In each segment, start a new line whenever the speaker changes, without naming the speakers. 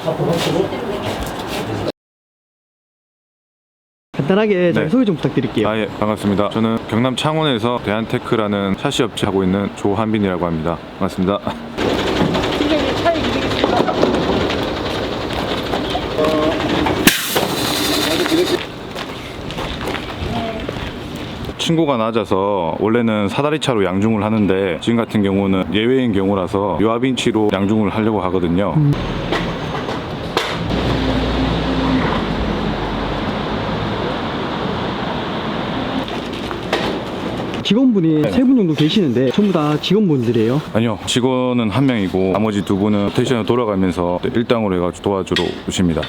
간단하게 자기
네.
소개 좀 부탁드릴게요.
예, 반갑습니다. 저는 경남 창원에서 대한테크라는 샤시 업체 하고 있는 조한빈이라고 합니다. 반갑습니다.
팀장님 차에 기대겠습니다.
층고가 낮아서 원래는 사다리차로 양중을 하는데 지금 같은 경우는 예외인 경우라서 요압인치로 양중을 하려고 하거든요.
직원분이 3분 정도 계시는데 전부 다 직원분들이에요.
아니요, 직원은 한 명이고 나머지 두 분은 스테이션에 돌아가면서 일당으로 해가지고 도와주러 오십니다.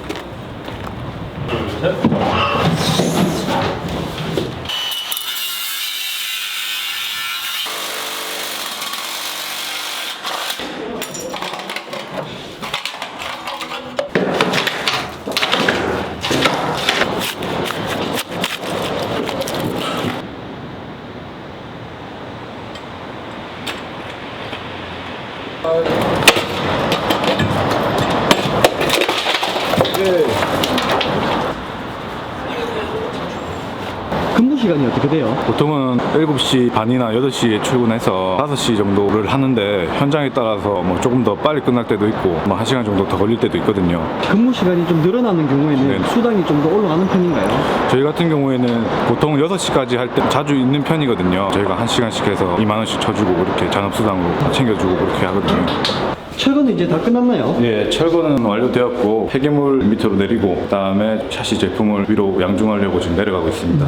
근무 시간이 어떻게 돼요?
보통은 7시 반이나 8시에 출근해서 5시 정도를 하는데 현장에 따라서 뭐 조금 더 빨리 끝날 때도 있고 뭐 1시간 정도 더 걸릴 때도 있거든요.
근무 시간이 좀 늘어나는 경우에는
네.
수당이 좀 더 올라가는 편인가요?
저희 같은 경우에는 보통 6시까지 할 때 자주 있는 편이거든요. 저희가 1시간씩 해서 2만 원씩 쳐주고 이렇게 잔업수당으로 챙겨주고 그렇게 하거든요.
철거는 이제 다 끝났나요?
예, 철거는 완료되었고 폐기물 밑으로 내리고 그다음에 샤시 제품을 위로 양중하려고 지금 내려가고 있습니다.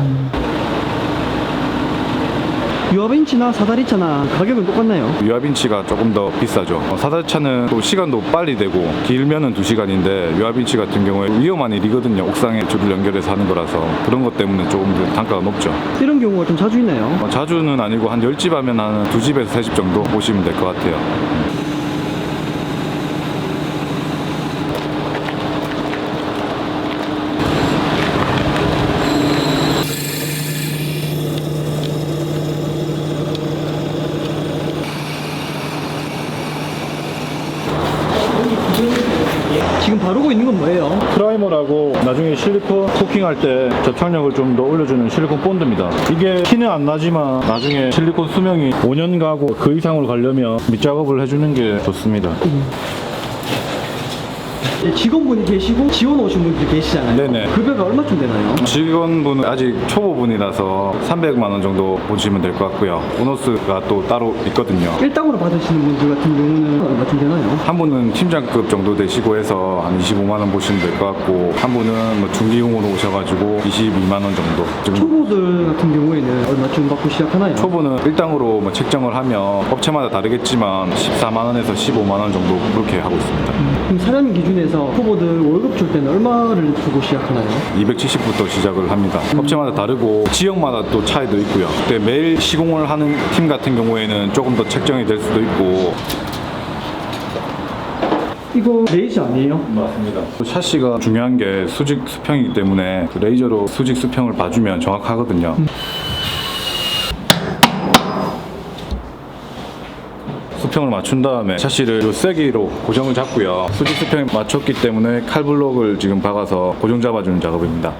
유압인치나 사다리차나 가격은 똑같나요?
유압인치가 조금 더 비싸죠. 사다리차는 또 시간도 빨리 되고 길면은 2시간인데 유압인치 같은 경우에 위험한 일이거든요. 옥상에 줄을 연결해서 하는 거라서 그런 것 때문에 조금 더 단가가 높죠.
이런 경우가 좀 자주 있나요?
자주는 아니고 한 10집 하면 한 2집에서 3집 정도 보시면 될 것 같아요.
지금 바르고 있는 건 뭐예요?
프라이머라고 나중에 실리콘 코팅할 때 접착력을 좀 더 올려주는 실리콘 본드입니다. 이게 티는 안 나지만 나중에 실리콘 수명이 5년 가고 그 이상으로 가려면 밑작업을 해주는 게 좋습니다.
직원분이 계시고 지원 오신 분들이 계시잖아요.
네네.
급여가 얼마쯤 되나요?
직원분은 아직 초보분이라서 300만 원 정도 보시면 될 것 같고요. 보너스가 또 따로 있거든요.
일당으로 받으시는 분들 같은 경우는 얼마쯤 되나요?
한 분은 팀장급 정도 되시고 해서 한 25만 원 보시면 될 것 같고 한 분은 뭐 중기용으로 오셔가지고 22만 원 정도. 지금
초보들 같은 경우에는 얼마쯤 받고 시작하나요?
초보는 일당으로 뭐 책정을 하면 업체마다 다르겠지만 14만 원에서 15만 원 정도 그렇게 하고 있습니다.
그럼 사장님 기준에서 초보들 월급 줄 때는 얼마를 주고 시작하나요?
270부터 시작을 합니다. 업체마다 다르고 지역마다 또 차이도 있고요. 근데 매일 시공을 하는 팀 같은 경우에는 조금 더 책정이 될 수도 있고.
이거 레이저 아니에요?
맞습니다. 샤시가 중요한 게 수직 수평이기 때문에 그 레이저로 수직 수평을 봐주면 정확하거든요. 수평을 맞춘 다음에 샤시를 요 세기로 고정을 잡고요. 수직 수평에 맞췄기 때문에 칼블록을 지금 박아서 고정 잡아주는 작업입니다.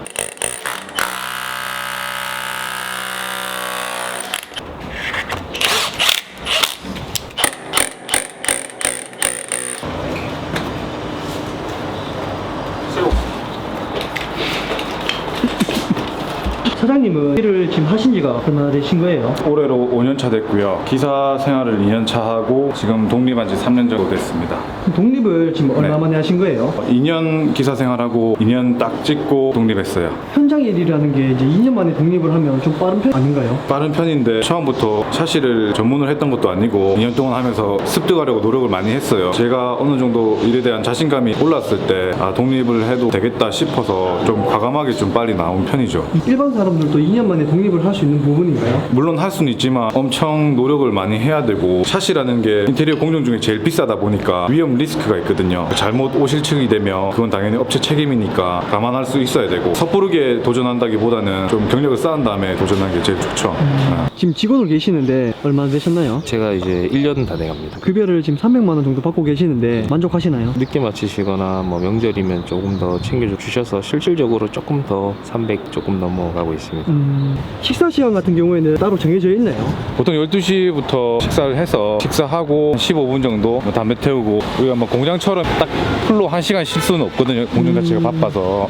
사장님은 일을 지금 하신 지가 얼마나 되신 거예요?
올해로 5년 차 됐고요. 기사 생활을 2년 차 하고 지금 독립한 지 3년 정도 됐습니다.
독립을 지금 얼마 만에 하신 거예요?
2년 기사 생활하고 2년 딱 찍고 독립했어요.
현장 일이라는 게 이제 2년 만에 독립을 하면 좀 빠른 편 아닌가요?
빠른 편인데 처음부터 샤시를 전문을 했던 것도 아니고 2년 동안 하면서 습득하려고 노력을 많이 했어요. 제가 어느 정도 일에 대한 자신감이 올랐을 때 독립을 해도 되겠다 싶어서 좀 과감하게 좀 빨리 나온 편이죠.
일반 사람 작업들도 2년 만에 독립을 할 수 있는 부분인가요?
물론 할 수는 있지만 엄청 노력을 많이 해야 되고, 샤시라는 게 인테리어 공정 중에 제일 비싸다 보니까 위험 리스크가 있거든요. 잘못 오실측이 되면 그건 당연히 업체 책임이니까 감안할 수 있어야 되고, 섣부르게 도전한다기보다는 좀 경력을 쌓은 다음에 도전하는 게 제일 좋죠.
지금 직원으로 계시는데 얼마나 되셨나요?
제가 이제 1년 다 돼갑니다.
급여를 지금 300만 원 정도 받고 계시는데 만족하시나요?
늦게 마치시거나 뭐 명절이면 조금 더 챙겨주셔서 실질적으로 조금 더 300 조금 넘어가고 있습니다.
식사 시간 같은 경우에는 따로 정해져 있나요?
보통 12시부터 식사를 해서 식사하고 15분 정도 뭐 담배 태우고, 우리가 뭐 공장처럼 딱 풀로 1시간 쉴 수는 없거든요. 공장 자체가 바빠서.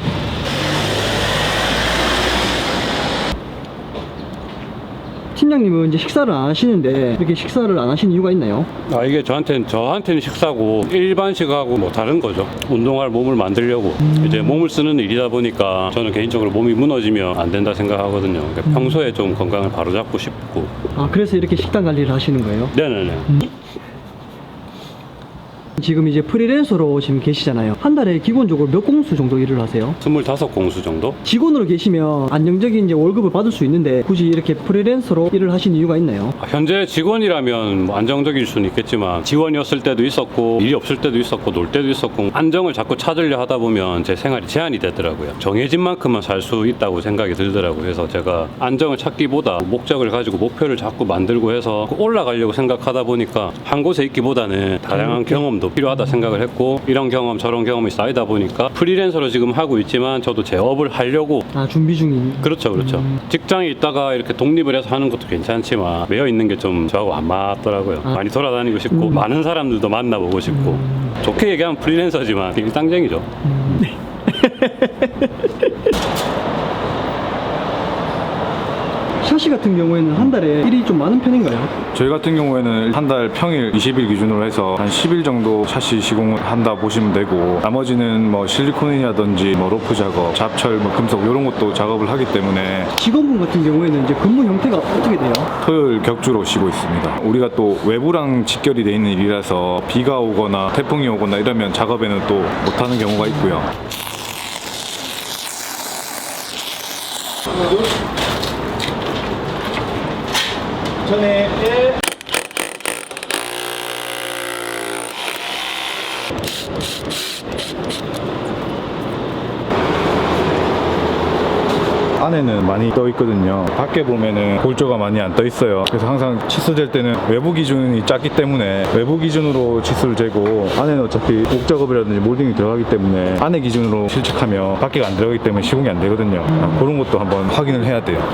팀장님은 이제 식사를 안 하시는데 이렇게 식사를 안 하시는 이유가 있나요?
이게 저한테는 식사고 일반식하고 뭐 다른 거죠. 운동할 몸을 만들려고 이제 몸을 쓰는 일이다 보니까 저는 개인적으로 몸이 무너지면 안 된다 생각하거든요. 그러니까 평소에 좀 건강을 바로잡고 싶고.
아, 그래서 이렇게 식단 관리를 하시는 거예요?
네네네.
지금 이제 프리랜서로 지금 계시잖아요. 한 달에 기본적으로 몇 공수 정도 일을 하세요?
25공수 정도?
직원으로 계시면 안정적인 이제 월급을 받을 수 있는데 굳이 이렇게 프리랜서로 일을 하신 이유가 있나요?
현재 직원이라면 뭐 안정적일 수는 있겠지만 직원이었을 때도 있었고 일이 없을 때도 있었고 놀 때도 있었고 안정을 자꾸 찾으려 하다 보면 제 생활이 제한이 되더라고요. 정해진 만큼만 살 수 있다고 생각이 들더라고요. 그래서 제가 안정을 찾기보다 목적을 가지고 목표를 자꾸 만들고 해서 올라가려고 생각하다 보니까 한 곳에 있기보다는 다양한 경험도 필요하다 생각을 했고, 이런 경험 저런 경험이 쌓이다 보니까 프리랜서로 지금 하고 있지만 저도 제 업을 하려고.
아, 준비 중인.
그렇죠. 직장에 있다가 이렇게 독립을 해서 하는 것도 괜찮지만 매여 있는 게 좀 저하고 안 맞더라고요. 많이 돌아다니고 싶고 많은 사람들도 만나보고 싶고. 좋게 얘기하면 프리랜서지만 일당쟁이죠.
샤시 같은 경우에는 한 달에 일이 좀 많은 편인가요?
저희 같은 경우에는 한 달 평일 20일 기준으로 해서 한 10일 정도 샤시 시공을 한다 보시면 되고, 나머지는 뭐 실리콘이라든지 뭐 로프 작업, 잡철, 뭐 금속 이런 것도 작업을 하기 때문에.
직원분 같은 경우에는 이제 근무 형태가 어떻게 돼요?
토요일 격주로 쉬고 있습니다. 우리가 또 외부랑 직결이 돼 있는 일이라서 비가 오거나 태풍이 오거나 이러면 작업에는 또 못하는 경우가 있고요. 안에는 많이 떠 있거든요. 밖에 보면은 골조가 많이 안 떠 있어요. 그래서 항상 치수 잴 때는 외부 기준이 작기 때문에 외부 기준으로 치수를 재고, 안에는 어차피 옥 작업이라든지 몰딩이 들어가기 때문에 안에 기준으로 실측하면 밖에가 안 들어가기 때문에 시공이 안 되거든요. 그런 것도 한번 확인을 해야 돼요.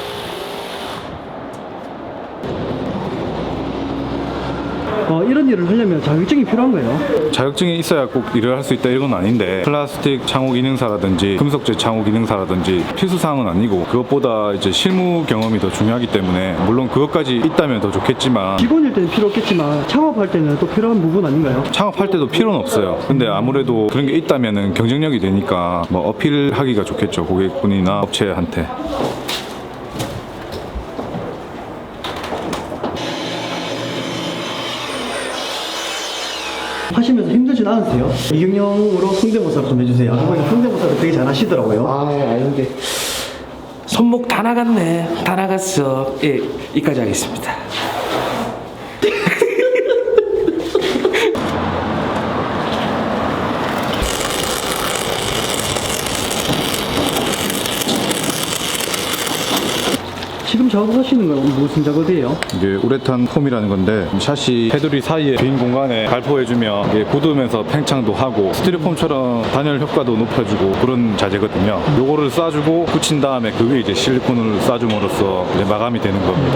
이런 일을 하려면 자격증이 필요한가요?
자격증이 있어야 꼭 일을 할 수 있다 이건 아닌데, 플라스틱 창호 기능사라든지 금속재 창호 기능사라든지 필수사항은 아니고, 그것보다 이제 실무 경험이 더 중요하기 때문에 물론 그것까지 있다면 더 좋겠지만,
직원일 때는 필요 없겠지만 창업할 때는 또 필요한 부분 아닌가요?
창업할 때도 필요는 없어요. 근데 아무래도 그런 게 있다면은 경쟁력이 되니까 뭐 어필하기가 좋겠죠, 고객분이나 업체한테.
하시면서 힘들진 않으세요? 이경영으로 성대모사 좀 해주세요. 성대모사를 되게 잘 하시더라고요.
아닌데 손목 다 나갔네. 다 나갔어. 예, 이까지 하겠습니다.
지금 작업하시는 건 무슨 작업이에요?
이게 우레탄 폼이라는 건데, 샤시 테두리 사이에 빈 공간에 발포해주면 이게 굳으면서 팽창도 하고 스티로폼처럼 단열 효과도 높여주고 그런 자재거든요. 요거를 싸주고 붙인 다음에 그 위에 이제 실리콘을 싸줌으로써 이제 마감이 되는 겁니다.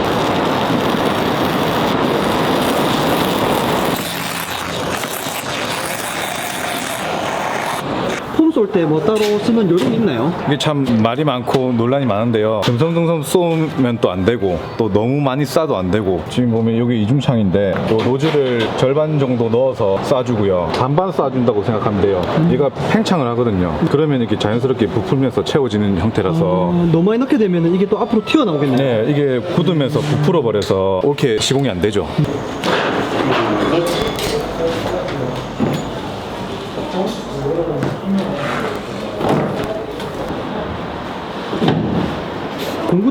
폼 쏠 때 뭐 따로 쓰는 요령이 있나요?
이게 참 말이 많고 논란이 많은데요. 듬성듬성 쏘면 또 안 되고, 또 너무 많이 싸도 안 되고. 지금 보면 여기 이중창인데, 요 노즐을 절반 정도 넣어서 쏴주고요. 반반 쏴준다고 생각하면 돼요. 얘가 팽창을 하거든요. 그러면 이렇게 자연스럽게 부풀면서 채워지는 형태라서.
너무 많이 넣게 되면 이게 또 앞으로 튀어나오겠네요.
네, 이게 굳으면서 부풀어 버려서 옳게 시공이 안 되죠.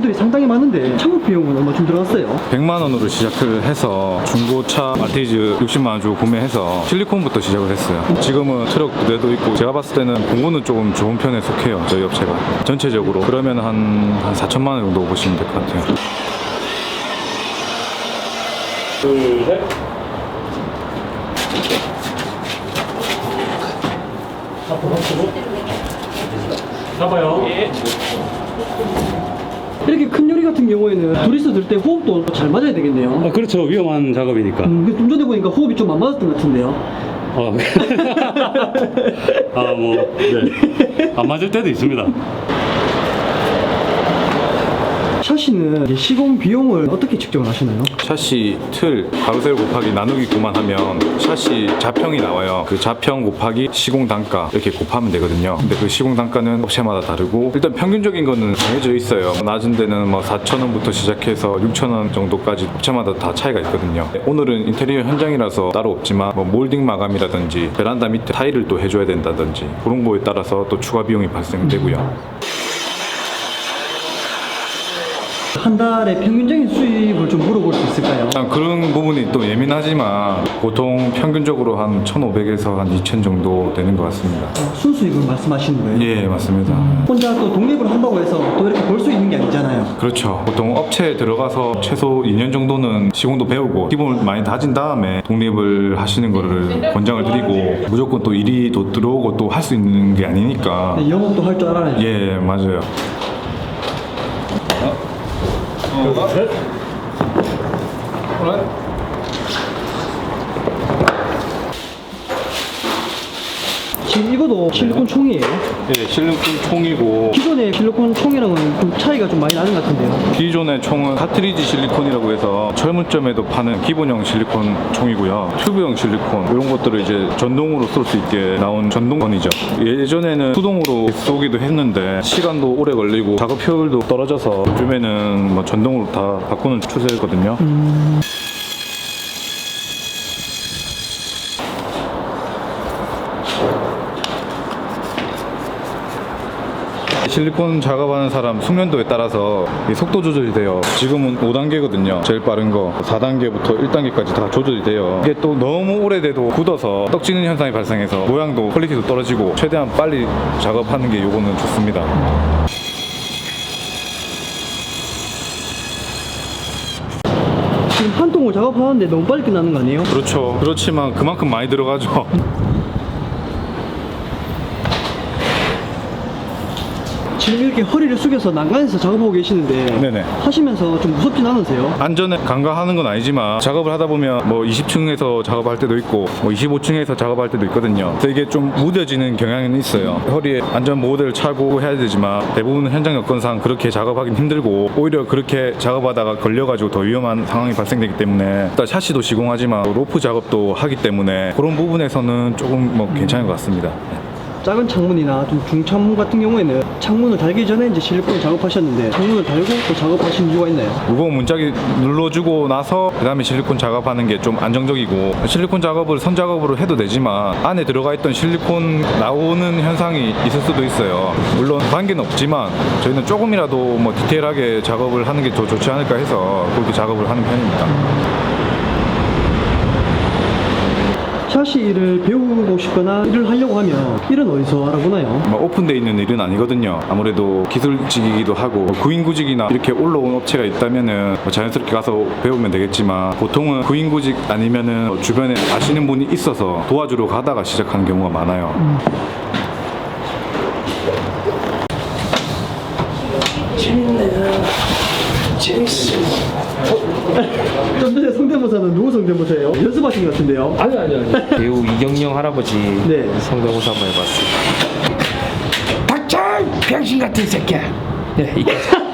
비용들이 상당히 많은데 창업 비용은 얼마쯤 들어갔어요?
100만 원으로 시작을 해서 중고차 마티즈 60만 원 주고 구매해서 실리콘부터 시작을 했어요. 지금은 트럭 2대도 있고 제가 봤을 때는 공구는 조금 좋은 편에 속해요. 저희 업체가 전체적으로 그러면 한 4천만 원 정도 보시면 될 것 같아요.
둘, 셋. 앞으로. 잡아요.
이렇게 큰 요리 같은 경우에는 둘이서 들 때 호흡도 잘 맞아야 되겠네요.
그렇죠. 위험한 작업이니까.
좀 전에 보니까 호흡이 좀 안 맞았던 것 같은데요.
네. 안 맞을 때도 있습니다.
샤시는 이제 시공 비용을 어떻게 측정을 하시나요?
샤시 틀 가로세로 곱하기 나누기 9만 하면 샤시 자평이 나와요. 그 자평 곱하기 시공 단가 이렇게 곱하면 되거든요. 근데 그 시공 단가는 업체마다 다르고 일단 평균적인 거는 정해져 있어요. 낮은 데는 뭐 4,000원부터 시작해서 6,000원 정도까지 업체마다 다 차이가 있거든요. 오늘은 인테리어 현장이라서 따로 없지만 뭐 몰딩 마감이라든지 베란다 밑에 타일을 또 해줘야 된다든지 그런 거에 따라서 또 추가 비용이 발생되고요.
한 달에 평균적인 수입을 좀 물어볼 수 있을까요?
일단 그런 부분이 또 예민하지만 보통 평균적으로 한 1,500에서 한 2,000 정도 되는 것 같습니다.
순수익을 말씀하시는 거예요?
예, 맞습니다.
혼자 또 독립을 한다고 해서 또 이렇게 벌 수 있는 게 아니잖아요.
그렇죠. 보통 업체에 들어가서 최소 2년 정도는 시공도 배우고 기본을 많이 다진 다음에 독립을 하시는 거를 권장을 드리고 무조건 또 일이 또 들어오고 또 할 수 있는 게 아니니까.
영업도 할 줄 알아야 돼요.
예, 맞아요.
지금 이거도 실리콘 총이에요.
예, 실리콘 총이고
기존의 실리콘 총이랑은 좀 차이가 좀 많이 나는 것 같은데요.
기존의 총은 카트리지 실리콘이라고 해서 철물점에도 파는 기본형 실리콘 총이고요. 튜브형 실리콘 이런 것들을 이제 전동으로 쏠 수 있게 나온 전동건이죠. 예전에는 수동으로 쏘기도 했는데 시간도 오래 걸리고 작업 효율도 떨어져서 요즘에는 뭐 전동으로 다 바꾸는 추세거든요. 실리콘 작업하는 사람 숙련도에 따라서 이 속도 조절이 돼요. 지금은 5단계거든요. 제일 빠른 거 4단계부터 1단계까지 다 조절이 돼요. 이게 또 너무 오래돼도 굳어서 떡지는 현상이 발생해서 모양도 퀄리티도 떨어지고 최대한 빨리 작업하는 게 요거는 좋습니다.
지금 한 통을 작업하는데 너무 빨리 끝나는 거 아니에요?
그렇죠. 그렇지만 그만큼 많이 들어가죠.
지금 이렇게 허리를 숙여서 난간에서 작업하고 계시는데
네네.
하시면서 좀 무섭진 않으세요?
안전에 간과하는 건 아니지만 작업을 하다 보면 뭐 20층에서 작업할 때도 있고 뭐 25층에서 작업할 때도 있거든요. 그래서 이게 좀 무뎌지는 경향은 있어요. 허리에 안전 보호대를 차고 해야 되지만 대부분 현장 여건상 그렇게 작업하기는 힘들고 오히려 그렇게 작업하다가 걸려가지고 더 위험한 상황이 발생되기 때문에 일단 샤시도 시공하지만 로프 작업도 하기 때문에 그런 부분에서는 조금 뭐 괜찮은 것 같습니다.
작은 창문이나 좀 중창문 같은 경우에는 창문을 달기 전에 이제 실리콘 작업하셨는데 창문을 달고 또 작업하신 이유가 있나요?
무거운 문짝이 눌러주고 나서 그 다음에 실리콘 작업하는 게 좀 안정적이고 실리콘 작업을 선 작업으로 해도 되지만 안에 들어가 있던 실리콘 나오는 현상이 있을 수도 있어요. 물론 관계는 없지만 저희는 조금이라도 뭐 디테일하게 작업을 하는 게 더 좋지 않을까 해서 그렇게 작업을 하는 편입니다.
샤시 일을 배우고 싶거나 일을 하려고 하면 일은 어디서 알아보나요?
뭐 오픈되어 있는 일은 아니거든요. 아무래도 기술직이기도 하고 구인구직이나 이렇게 올라온 업체가 있다면은 뭐 자연스럽게 가서 배우면 되겠지만 보통은 구인구직 아니면은 주변에 아시는 분이 있어서 도와주러 가다가 시작하는 경우가 많아요.
재밌어.
좀 전에 성대모사는 누구 성대모사예요? 연습하신 것 같은데요?
아니. 배우 이경영 할아버지
네.
성대모사 한번 해봤어요. 닥쳐! 병신 같은 새끼야. 네, 이게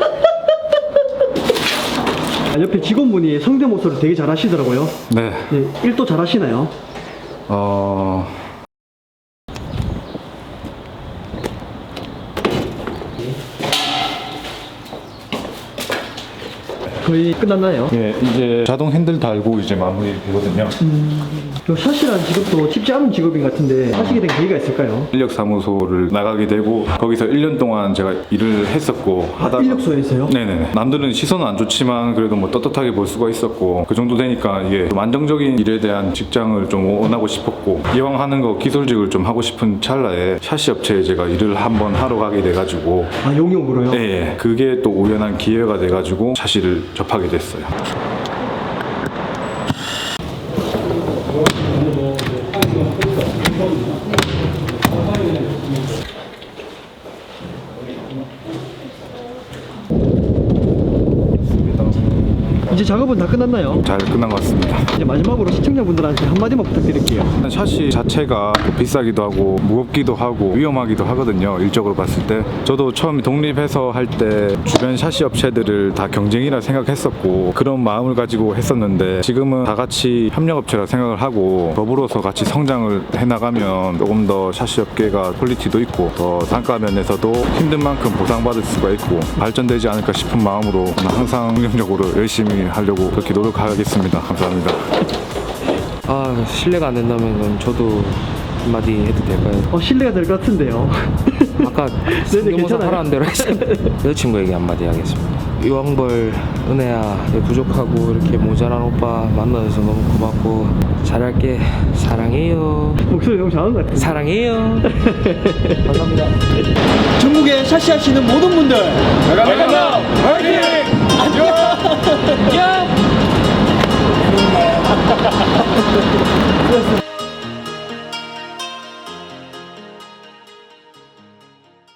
옆에 직원분이 성대모사를 되게 잘하시더라고요.
네.
네, 일도 잘하시나요? 거의 끝났나요?
예, 이제 자동 핸들 달고 이제 마무리 되거든요.
요 샷이라는 직업도 쉽지 않은 직업인 것 같은데 하시게 된 계기가 있을까요?
인력사무소를 나가게 되고 거기서 1년 동안 제가 일을 했었고 하다가
인력소에서요?
네네네. 남들은 시선은 안 좋지만 그래도 뭐 떳떳하게 볼 수가 있었고 그 정도 되니까 이게 좀 안정적인 일에 대한 직장을 좀 원하고 싶었고 이왕 하는 거 기술직을 좀 하고 싶은 찰나에 샤시 업체에 제가 일을 한번 하러 가게 돼가지고
아, 용역으로요?
예, 예. 그게 또 우연한 기회가 돼가지고 샤시를 접하게 됐어요.
이제 작업은 다 끝났나요?
잘 끝난 것 같습니다.
이제 마지막으로 시청자분들한테 한마디만 부탁드릴게요.
샤시 자체가 비싸기도 하고 무겁기도 하고 위험하기도 하거든요. 일적으로 봤을 때 저도 처음 독립해서 할 때 주변 샤시 업체들을 다 경쟁이라 생각했었고 그런 마음을 가지고 했었는데 지금은 다 같이 협력업체라 생각을 하고 더불어서 같이 성장을 해나가면 조금 더 샤시 업계가 퀄리티도 있고 더 단가 면에서도 힘든 만큼 보상받을 수가 있고 발전되지 않을까 싶은 마음으로 항상 긍정적으로 열심히 하려고 그렇게 노력하겠습니다. 감사합니다.
아, 실례가 안 된다면 저도 한마디 해도 될까요?
신뢰가 될 것 같은데요.
아까 성대모사
괜찮아요.
하라는 대로 했습니다. 여자친구에게 한마디 하겠습니다. 이왕벌 은혜야, 부족하고 이렇게 모자란 오빠 만나서 너무 고맙고 잘할게. 사랑해요.
목소리 너무 잘하는 것 같아요.
사랑해요.
전국에 샤시하시는 모든 분들
감사합니다. 화이팅!
안녕!